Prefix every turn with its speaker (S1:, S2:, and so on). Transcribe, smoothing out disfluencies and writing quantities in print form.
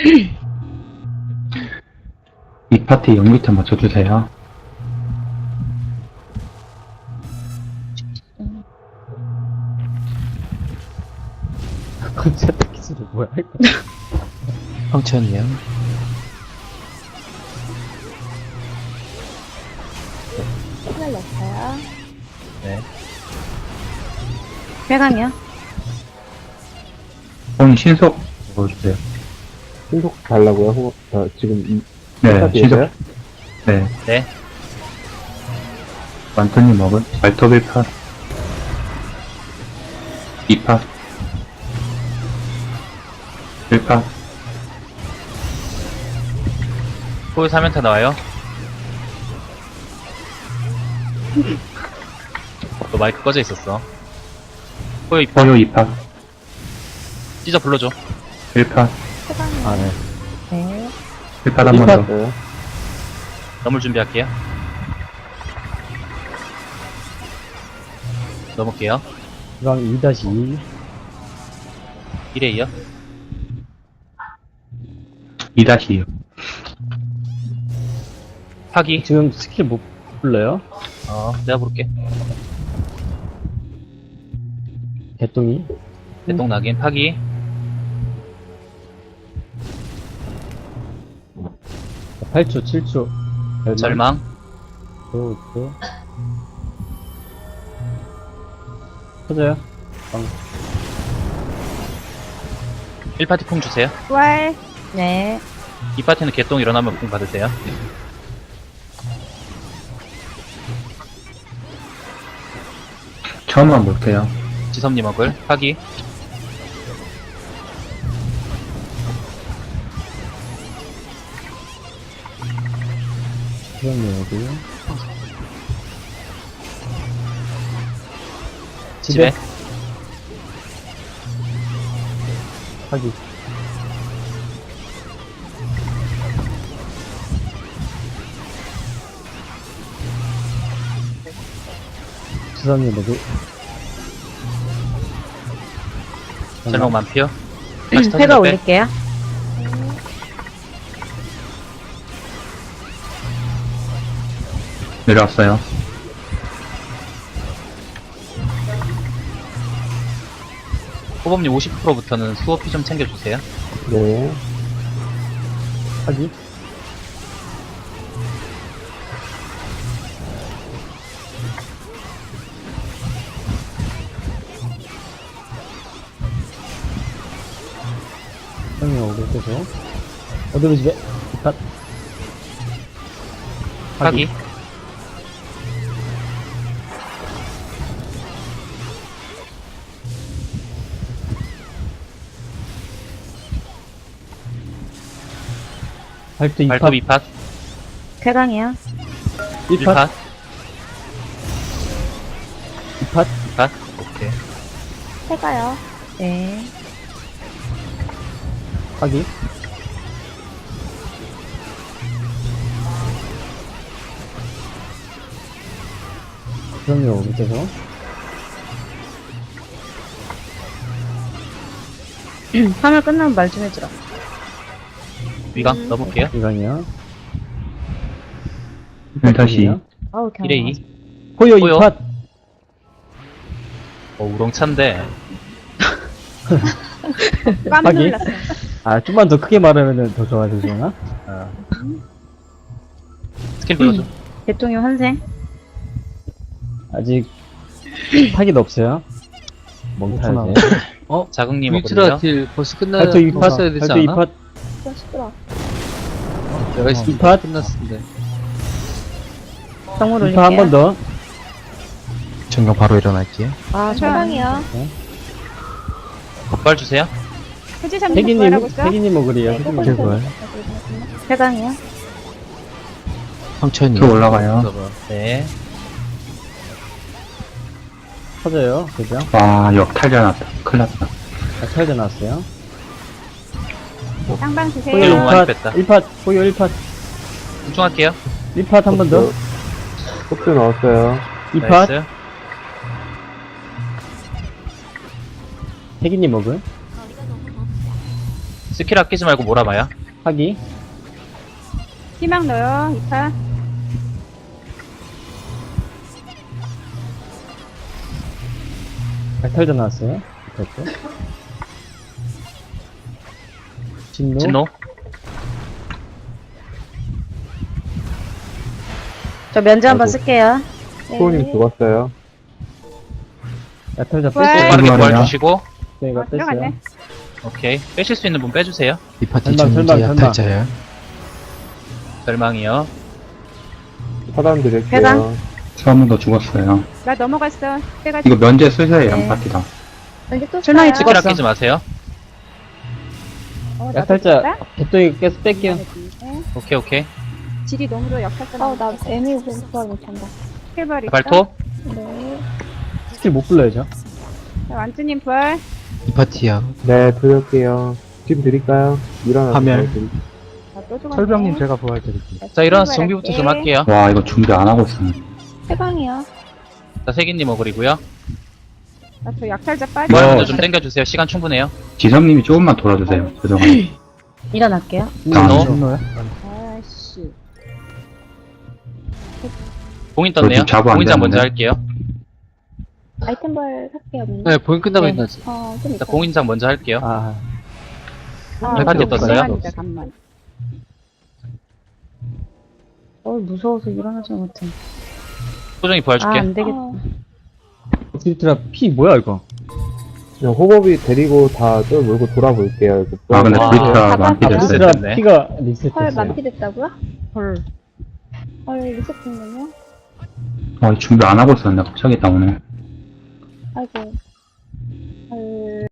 S1: 이 파티 연기트 맞춰주세요.
S2: 컨셉 기술이 뭐야?
S3: 황천이요.
S4: 신을 넣었어요.
S3: 네.
S4: 회강이요.
S1: 오늘 신속 넣어주세요.
S2: 신속 달라고요? 지금
S1: 네,
S2: 파티에서요?
S1: 신속. 네.
S3: 네.
S1: 완토님 먹은 말톱 1파. 2파. 1파.
S3: 호요 3연타 나와요. 너 마이크 꺼져 있었어. 호요 입
S1: 포요 2파.
S3: 찢어 불러줘.
S1: 1파.
S4: 회강이요.
S2: 아, 네.
S4: 네.
S1: 1파 한 번 더.
S2: 네.
S3: 넘을 준비할게요. 넘을게요.
S2: 이방 2-2.
S3: 1에 이어.
S1: 2-2요.
S3: 파기.
S2: 지금 스킬 못 불러요?
S3: 내가 부를게.
S2: 개똥이.
S3: 대똥 낙인 파기.
S2: 8초, 7초.
S3: 절망.
S2: 또. 터져요?
S3: 1파티 풍 주세요.
S4: 부활. 네.
S3: 2파티는 개똥 일어나면 풍 받으세요.
S1: 처음만 볼게요.
S3: 지섭님 먹을 파기.
S2: 그렇네, 여기.
S3: 집에.
S2: 하기. 수상이 뭐지?
S3: 절망 만피어. 다시
S4: 회가
S3: 터진다 빼.
S4: 올릴게요.
S1: 내려왔어요.
S3: 호범님 50%부터는 수호피 좀 챙겨주세요.
S2: 네. 하기. 형이 오고 계속. 어디로 집에? 이팟.
S3: 파기.
S2: 발도 이팟.
S3: 발톱 2팟.
S4: 회강이요.
S2: 이팟.
S3: 1팟.
S2: 이팟.
S3: 2팟. 오케이.
S4: 회가요. 네.
S2: 하기. 형이 오고 계속.
S4: 화물 끝나면 말 좀 해주라.
S3: 위강 넣어볼게요.
S2: 이강이요.
S1: 1-2.
S4: 아우,
S3: 1에 2.
S2: 호요
S3: 호요.
S2: 이팟.
S3: 우렁찬데.
S4: 깜
S2: 하기.
S4: 놀랐어.
S2: 아, 좀만 더 크게 말하면 더 좋아지려나?
S3: 스킬 불러줘.
S4: 대통령 환생.
S2: 아직 파기도 없어요. 멍타야지.
S3: 자극님
S5: 울트라
S3: 먹거든요.
S5: 딜 벌써
S2: 발도 이팟.
S5: 끝났어야 되지
S2: 발도
S5: 않아?
S2: 이팟.
S4: 좀 시끄러.
S5: 내가 있을 때
S2: 이팟.
S5: 끝났는데.
S4: 정물 올릴게요.
S2: 이팟 한 번 더.
S3: 정경 바로 일어날게요.
S4: 아, 회강이요.
S3: 덕발 주세요.
S4: 해지삼
S2: 태기님,
S4: 부활하고 있어.
S2: 태기님 먹으리요.
S4: 네,
S2: 태기님
S4: 조금
S2: 먹을.
S4: 회강이요.
S3: 황천이.
S1: 저 올라가요.
S3: 네.
S2: 터져요. 그죠?
S1: 와, 역탈자 났다. 큰일 났다.
S2: 아, 터져 나왔어요.
S4: 쌍방
S3: 호요
S4: 주세요.
S3: 너무 많이
S2: 1팟.
S3: 뺐다.
S2: 1팟. 호요 1팟.
S3: 집중할게요.
S2: 1팟 한 번 더.
S6: 속도 넣었어요.
S2: 2팟.
S3: 나이스.
S2: 태기님 먹을.
S3: 스킬 아끼지 말고 몰아봐요.
S2: 하기.
S4: 희망 넣어요. 2파.
S2: 약탈자 나왔어요. 됐죠. 진노.
S3: 진노.
S4: 저 면제
S6: 한번
S4: 쓸게요.
S6: 수호님 죽었어요.
S2: 약탈자
S4: 부활.
S2: 뺐어요.
S3: 빠르게
S1: 부활이요?
S3: 부활 주시고.
S2: 네, 이거
S4: 들어갔네.
S2: 뺐어요.
S3: 오케이. 빼실 수 있는 분 빼주세요.
S5: 이 파티
S2: 설마,
S5: 전문지
S2: 설마, 설마.
S5: 약탈자예요.
S3: 절망이요.
S6: 차단 드릴게요.
S4: 회강.
S1: 서문도 죽었어요.
S4: 나 넘어갔어. 해가
S1: 이거 면제 쓰세요,
S4: 네.
S1: 양파티다.
S4: 여기 또
S7: 실망이
S4: 써요.
S3: 스킬 아끼지 마세요.
S4: 나도
S2: 약탈자
S4: 죽었다?
S2: 개똥이 깨서 뺄게요.
S4: 네.
S3: 오케이, 오케이.
S4: 질이 너무 좋아. 약탈자. 나 애미 부활 못한다. 스킬발 있어.
S3: 발톱.
S4: 네.
S2: 스킬 못 불러야죠.
S4: 자, 완주님 부활.
S5: 이 파티야.
S6: 네, 드릴게요. 지금 드릴까요? 일어나서
S5: 화면.
S6: 드릴게요.
S4: 나또 죽었네.
S5: 철병님 제가 부활 드릴게요.
S3: 자, 일어나서 정비부터 좀 할게요.
S1: 와, 이거 준비 안 하고 있었네.
S4: 해방이요.
S3: 자, 세기님 어글이고요.
S4: 나저 약탈자 빠져.
S3: 부활
S1: 뭐.
S3: 먼저 좀 땡겨주세요. 시간 충분해요.
S1: 지성님이 조금만 돌아주세요. 죄송해요.
S4: 일어날게요.
S3: 진노.
S5: 신노야?
S4: 아씨.
S3: 봉인 떴네요.
S1: 저 자부 안
S3: 봉인장 먼저
S1: 되는데?
S3: 할게요.
S4: 아이템벌 할게요.
S5: 네, 보인 끝나고
S4: 네.
S5: 있나지.
S4: 좀
S3: 자,
S4: 있다.
S3: 봉인장 먼저 할게요.
S2: 아,
S3: 팔팔 때 떴어요?
S4: 잠깐만.
S7: 무서워서 일어나지 못해.
S3: 소정이 부활 줄게.
S7: 안 되겠다.
S2: 스피트라 피 뭐야 이거?
S6: 그냥 호법이 데리고 다 저 몰고 돌아볼게요. 이거.
S1: 아, 근데
S3: 와.
S1: 브리트가
S4: 아,
S1: 만피
S3: 아,
S1: 됐어요.
S2: 스피트라
S3: 됐네.
S2: 피가
S4: 헐
S2: 리셋됐어요.
S4: 만피됐다고요?
S7: 헐.
S4: 헐 리셋됐네요.
S1: 준비 안 하고 있었네. 갑자기 나오네.
S4: 아이고. 헐.